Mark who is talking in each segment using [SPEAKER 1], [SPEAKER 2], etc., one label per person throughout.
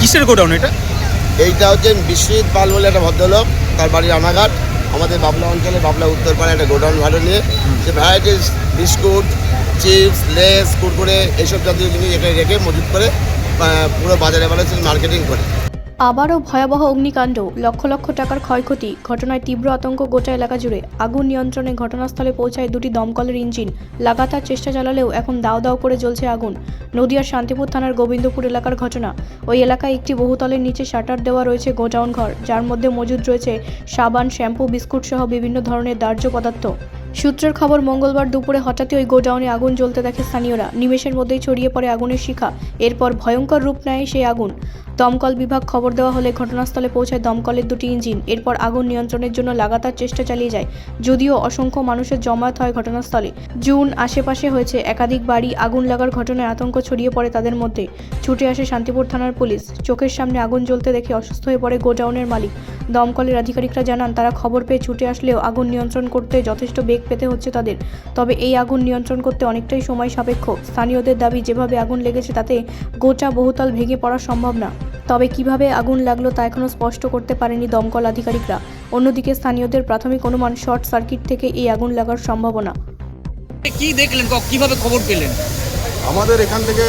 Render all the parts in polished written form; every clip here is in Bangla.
[SPEAKER 1] কিসের গোডাউন এটা?
[SPEAKER 2] এইটা হচ্ছে বিশ্বজিৎ পাল বলে একটা ভদ্রলোক, তার বাড়ি রানাঘাট, আমাদের বাবলা অঞ্চলে বাবলা উত্তরপাড়ায় একটা গোডাউন ভাড়া নিয়ে সে varieties biscuit, chips, Lay's, Kurkure এইসব জাতীয় জিনিস এখানে রেখে মজুত করে পুরো বাজারে মার্কেটিং করে।
[SPEAKER 3] আবারও ভয়াবহ অগ্নিকাণ্ড, লক্ষ লক্ষ টাকার ক্ষয়ক্ষতি। ঘটনায় তীব্র আতঙ্ক গোটা এলাকা জুড়ে। আগুন নিয়ন্ত্রণে ঘটনাস্থলে পৌঁছায় দুটি দমকলের ইঞ্জিন। লাগাতার চেষ্টা চালালেও এখন দাও দাও করে জ্বলছে আগুন। নদিয়ার শান্তিপুর থানার গোবিন্দপুর এলাকার ঘটনা। ওই এলাকায় একটি বহুতলের নিচে শাটার দেওয়া রয়েছে গোডাউন ঘর, যার মধ্যে মজুদ রয়েছে সাবান, শ্যাম্পু, বিস্কুট সহ বিভিন্ন ধরনের দাহ্য পদার্থ। সূত্রের খবর, মঙ্গলবার দুপুরে হঠাৎই ওই গোডাউনে আগুন জ্বলতে দেখে স্থানীয়রা। নিমেষের মধ্যেই ছড়িয়ে পড়ে আগুনের শিখা। এরপর ভয়ঙ্কর রূপ নেয় সেই আগুন। দমকল বিভাগ খবর দেওয়া হলে ঘটনাস্থলে পৌঁছায় দমকলের দুটি ইঞ্জিন। এরপর আগুন নিয়ন্ত্রণের জন্য লাগাতার চেষ্টা চালিয়ে যায়, যদিও অসংখ্য মানুষের জমায়েত হয় ঘটনাস্থলে। জুন আশেপাশে হয়েছে একাধিক বাড়ি আগুন লাগার ঘটনায় আতঙ্ক ছড়িয়ে পড়ে তাদের মধ্যে। ছুটে আসে শান্তিপুর থানার পুলিশ। চোখের সামনে আগুন জ্বলতে দেখে অসুস্থ হয়ে পড়ে গোডাউনের মালিক। দমকলের আধিকারিকরা জানান, তারা খবর পেয়ে ছুটে আসলেও আগুন নিয়ন্ত্রণ করতে যথেষ্ট বেগ পেতে হচ্ছে তাদের। তবে এই আগুন নিয়ন্ত্রণ করতে অনেকটাই সময় সাপেক্ষ। স্থানীয়দের দাবি, যেভাবে আগুন লেগেছে তাতে গোটা বহুতল ভেঙে পড়া সম্ভব না। তবে কিভাবে আগুন লাগলো তা এখনও স্পষ্ট করতে পারেনি দমকল আধিকারিকরা। অন্যদিকে স্থানীয়দের প্রাথমিক অনুমান, শর্ট সার্কিট থেকে এই আগুন লাগার সম্ভাবনা।
[SPEAKER 1] কি দেখলেন, কিভাবে খবর পেলেন?
[SPEAKER 4] আমাদের এখান থেকে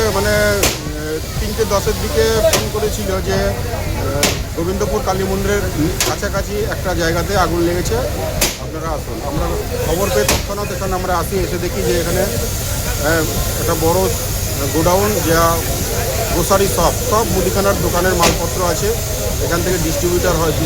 [SPEAKER 4] 3:10-এর দিকে ফোন করেছিল যে গোবিন্দপুর কালী মন্দিরের কাছাকাছি একটা জায়গাতে আগুন লেগেছে, আপনারা আসুন। আমরা খবর পেয়ে তৎক্ষণাৎ এখানে আমরা আসি, এসে দেখি যে এখানে একটা বড় গোডাউন, যা গ্রোসারি সব মুদিখানার দোকানের মালপত্র আছে। এখান থেকে ডিস্ট্রিবিউট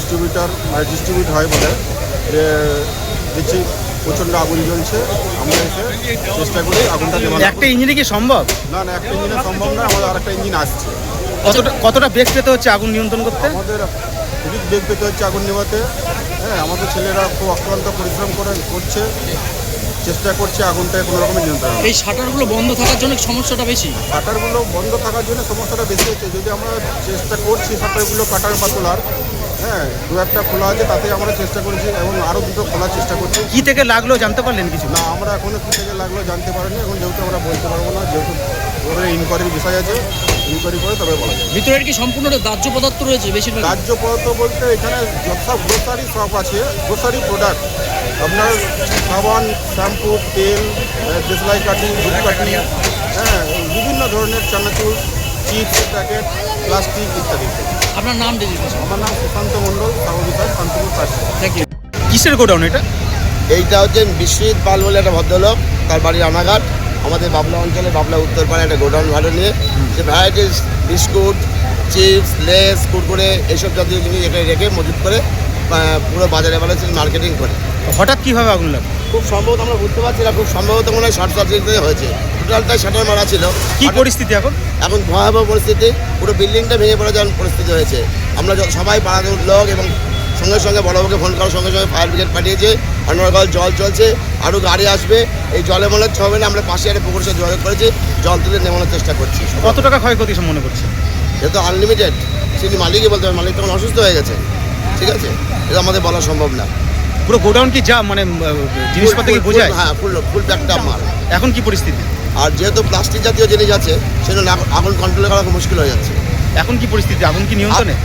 [SPEAKER 4] হয় বলে যে দেখছি প্রচণ্ড আগুন জ্বলছে। আমরা এসে চেষ্টা করি আগুনটা নেভানোর।
[SPEAKER 1] একটা ইঞ্জিনে কি সম্ভব?
[SPEAKER 4] না, একটা ইঞ্জিনে সম্ভব না, আমাদের আরেকটা ইঞ্জিন আসছে।
[SPEAKER 1] কতটা বেগ পেতে হচ্ছে আগুন নিয়ন্ত্রণ করতে?
[SPEAKER 4] আমাদের খুবই বেগ পেতে হচ্ছে আগুন নেভাতে। হ্যাঁ, আমাদের ছেলেরা খুব অক্লান্ত পরিশ্রম করছে, চেষ্টা করছে আগুনটাকে কোনো রকমের নিয়ন্ত্রণ।
[SPEAKER 1] এই শাটারগুলো বন্ধ থাকার জন্য সমস্যাটা বেশি?
[SPEAKER 4] শাটারগুলো বন্ধ থাকার জন্য সমস্যাটা বেশি হচ্ছে। যদি আমরা চেষ্টা করছি শাটারগুলো কাটার বা তোলার, হ্যাঁ, দু একটা খোলা আছে, তাতে আমরা চেষ্টা করেছি এবং আরও দুটো খোলার চেষ্টা করছি।
[SPEAKER 1] কি থেকে লাগলো জানতে পারলেন কিছু?
[SPEAKER 4] না, আমরা এখনও কী থেকে লাগলো জানতে পারিনি। এখন যেহেতু আমরা বলতে পারবো না, যেহেতু ওদের ইনকোয়ারির বিষয় আছে, ইনকোয়ারি করে তবে বলা যায়।
[SPEAKER 1] ভিতরে কি সম্পূর্ণ দাহ্য পদার্থ রয়েছে? বেশিরভাগ
[SPEAKER 4] দাহ্য পদার্থ বলতে এখানে সব গ্রোসারি শপ আছে, গ্রোসারি প্রোডাক্ট, আপনার সাবান, শ্যাম্পু, তেল, দেশলাই কাঠি, ধূপকাঠি, হ্যাঁ, বিভিন্ন ধরনের চানাচুর, চিপস প্যাকেট, প্লাস্টিক ইত্যাদি।
[SPEAKER 1] আপনার নাম?
[SPEAKER 4] আমার নাম সুশান্ত মণ্ডল, সাববিধান, শান্তিপুর পাশে।
[SPEAKER 1] Thank you. কিসের গোডাউন এটা?
[SPEAKER 2] এইটা হচ্ছে বিশ্বজিৎ পাল বলে একটা ভদ্রলোক, তার বাড়ি রানাঘাট, আমাদের বাবলা অঞ্চলে বাবলা উত্তরপাড়ায় একটা গোডাউন ভাড়া নিয়ে সে varieties biscuit, chips, Lay's, Kurkure এইসব জাতীয় জিনিস এখানে রেখে মজুত করে পুরো বাজারে মার্কেটিং করে।
[SPEAKER 1] হঠাৎ কিভাবে আগুন লাগলো?
[SPEAKER 2] খুব সম্ভবত আমরা বুঝতে পারছি না, খুব সম্ভবত মনে হয় শর্ট সার্কিট হয়েছে। টোটালটাই শাটার মারা ছিল।
[SPEAKER 1] কি পরিস্থিতি এখন?
[SPEAKER 2] এখন ভয়াবহ পরিস্থিতি, পুরো বিল্ডিংটা ভেঙে পড়ে যাওয়ার পরিস্থিতি হয়েছে। আমরা সবাই পাড়ার লোক এবং সঙ্গে সঙ্গে বড়বাবুকে ফোন করার সঙ্গে সঙ্গে ফায়ার ব্রিগেড পাঠিয়েছে। অনর্গল জল চলছে, আরও গাড়ি আসবে। এই জলে মনে হবে না, আমরা পাশে একটা পুকুরের সাথে যোগাযোগ করেছি, জল তুলে নেমানোর চেষ্টা করছি।
[SPEAKER 1] কত টাকা ক্ষয়ক্ষতি মনে করছে?
[SPEAKER 2] যেহেতু আনলিমিটেড, সেটি মালিকই বলতে হবে। মালিক তখন অসুস্থ হয়ে গেছে, ঠিক আছে, এটা আমাদের বলা সম্ভব না।
[SPEAKER 1] পুরো গোডাউন কি যা জিনিসপত্র কি বোঝায়?
[SPEAKER 2] হ্যাঁ, ফুল প্যাকটা মাল।
[SPEAKER 1] এখন কি পরিস্থিতি?
[SPEAKER 2] আর যেহেতু প্লাস্টিক জাতীয় জিনিস আছে, সেজন্য আগুন কন্ট্রোল করা খুব মুশকিল হয়ে যাচ্ছে।
[SPEAKER 1] এখন কি পরিস্থিতি? আগুন কি নিয়ন্ত্রণে?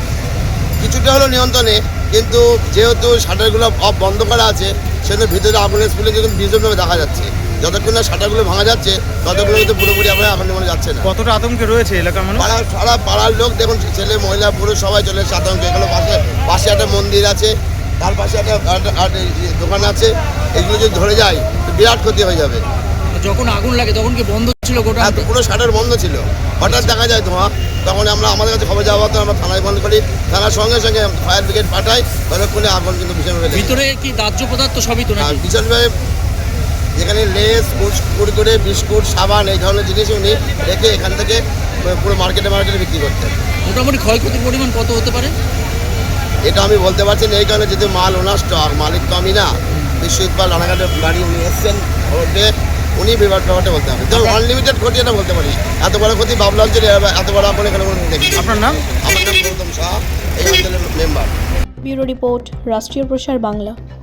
[SPEAKER 2] কিছুটা হলো নিয়ন্ত্রণে, কিন্তু যেহেতু শাটারগুলো বন্ধ করা আছে, সেজন্য ভিতরে আগুনের স্পিলিং কিন্তু ভীষণভাবে দেখা যাচ্ছে। যতক্ষণ না শাটারগুলো ভাঙা যাচ্ছে, ততক্ষণ কিন্তু পুরোপুরি আগুন নেমে যাচ্ছে না।
[SPEAKER 1] কতটা আতঙ্কে রয়েছে এলাকার মানুষ?
[SPEAKER 2] সারা পাড়ার লোক দেখুন, ছেলে মহিলা পুরো সবাই চলে এসেছে আতঙ্কে। এগুলো পাশে একটা মন্দির আছে, তার পাশে একটা দোকান আছে। এগুলো যদি ধরে যায় তো বিরাট ক্ষতি হয়ে যাবে।
[SPEAKER 1] যখন আগুন লাগে তখন কি বন্ধ ছিল গোডাউন?
[SPEAKER 2] পুরো শাটার বন্ধ ছিল, হঠাৎ দেখা যায় ধোঁয়া। তখন আমাদের কাছে খবর যাওয়া, আমরা থানায় ফোন করি, থানার সঙ্গে সঙ্গে ফায়ার ব্রিগেড পাঠাই। ততক্ষণে আগুন কিন্তু ভীষণভাবে
[SPEAKER 1] ভিতরে কি দাহ্য পদার্থ সবই তো নাকি?
[SPEAKER 2] ভীষণভাবে যেখানে লেস, কুরকুরে, বিস্কুট, সাবান এই ধরনের জিনিস উনি রেখে এখান থেকে পুরো মার্কেটে বিক্রি করতেন।
[SPEAKER 1] মোটামুটি ক্ষয়ক্ষতির পরিমাণ কত হতে পারে
[SPEAKER 2] এটা আমি বলতে পারছি না, এই কারণে যদি মাল ওনার স্টক, মালিক তো আমি না। বিশ্বজিৎ পাল রানাঘাটে গাড়ি উনি এসছেন, উনি ব্যাপারটা বলতে হবে। তো আনলিমিটেড ক্ষতি এটা বলতে পারি। এত বড় ক্ষতি বাবলা অঞ্চলে এত বড় আগুন এখানে দেখি।
[SPEAKER 1] আপনার নাম?
[SPEAKER 2] আমার নাম গৌতম শাহ, এই অঞ্চলের মেম্বার।
[SPEAKER 3] ব্যুরো রিপোর্ট, রাষ্ট্রীয় প্রসার বাংলা।